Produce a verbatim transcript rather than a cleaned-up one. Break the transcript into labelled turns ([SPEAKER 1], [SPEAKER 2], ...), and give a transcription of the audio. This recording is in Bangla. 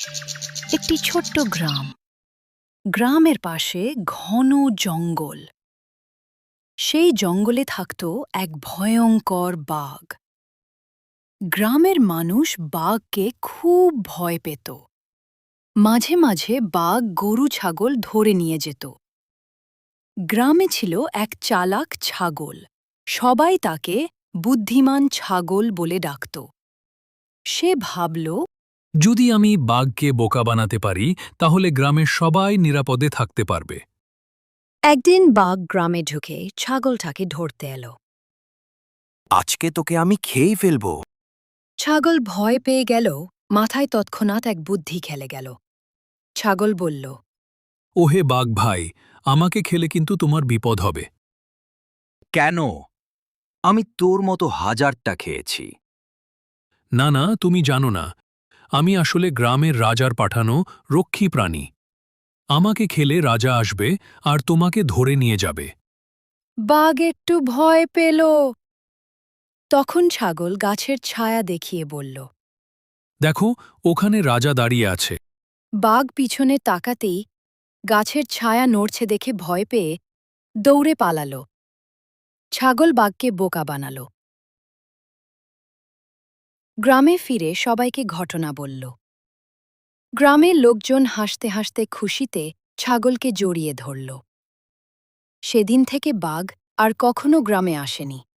[SPEAKER 1] একটি ছোট্ট গ্রাম। গ্রামের পাশে ঘন জঙ্গল। সেই জঙ্গলে থাকত এক ভয়ঙ্কর বাঘ। গ্রামের মানুষ বাঘকে খুব ভয় পেত। মাঝে মাঝে বাঘ গরু ছাগল ধরে নিয়ে যেত। গ্রামে ছিল এক চালাক ছাগল। সবাই তাকে বুদ্ধিমান ছাগল বলে ডাকত। সে ভাবল,
[SPEAKER 2] যদি আমি বাঘকে বোকা বানাতে পারি তাহলে গ্রামের সবাই নিরাপদে থাকতে পারবে।
[SPEAKER 1] একদিন বাঘ গ্রামে ঢুকে ছাগলটাকে ধরতে এলো।
[SPEAKER 3] আজকে তোকে আমি খেয়েই ফেলবো।
[SPEAKER 1] ছাগল ভয় পেয়ে গেল। মাথায় তৎক্ষণাৎ এক বুদ্ধি খেলে গেল। ছাগল বলল,
[SPEAKER 2] ওহে বাঘ ভাই, আমাকে খেলে কিন্তু তোমার বিপদ হবে।
[SPEAKER 3] কেন? আমি তোর মতো হাজারটা খেয়েছি।
[SPEAKER 2] না না, তুমি জানো না, আমি আসলে গ্রামের রাজার পাঠানো রক্ষী প্রাণী। আমাকে খেলে রাজা আসবে আর তোমাকে ধরে নিয়ে যাবে।
[SPEAKER 1] বাঘ একটু ভয় পেল। তখন ছাগল গাছের ছায়া দেখিয়ে বলল।
[SPEAKER 2] দেখো, ওখানে রাজা দাঁড়িয়ে আছে।
[SPEAKER 1] বাঘ পিছনে তাকাতেই গাছের ছায়া নড়ছে দেখে ভয় পেয়ে দৌড়ে পালাল। ছাগল বাঘকে বোকা বানাল। গ্রামে ফিরে সবাইকে ঘটনা বলল। গ্রামের লোকজন হাসতে হাসতে খুশিতে ছাগলকে জড়িয়ে ধরল। সেদিন থেকে বাঘ আর কখনো গ্রামে আসেনি।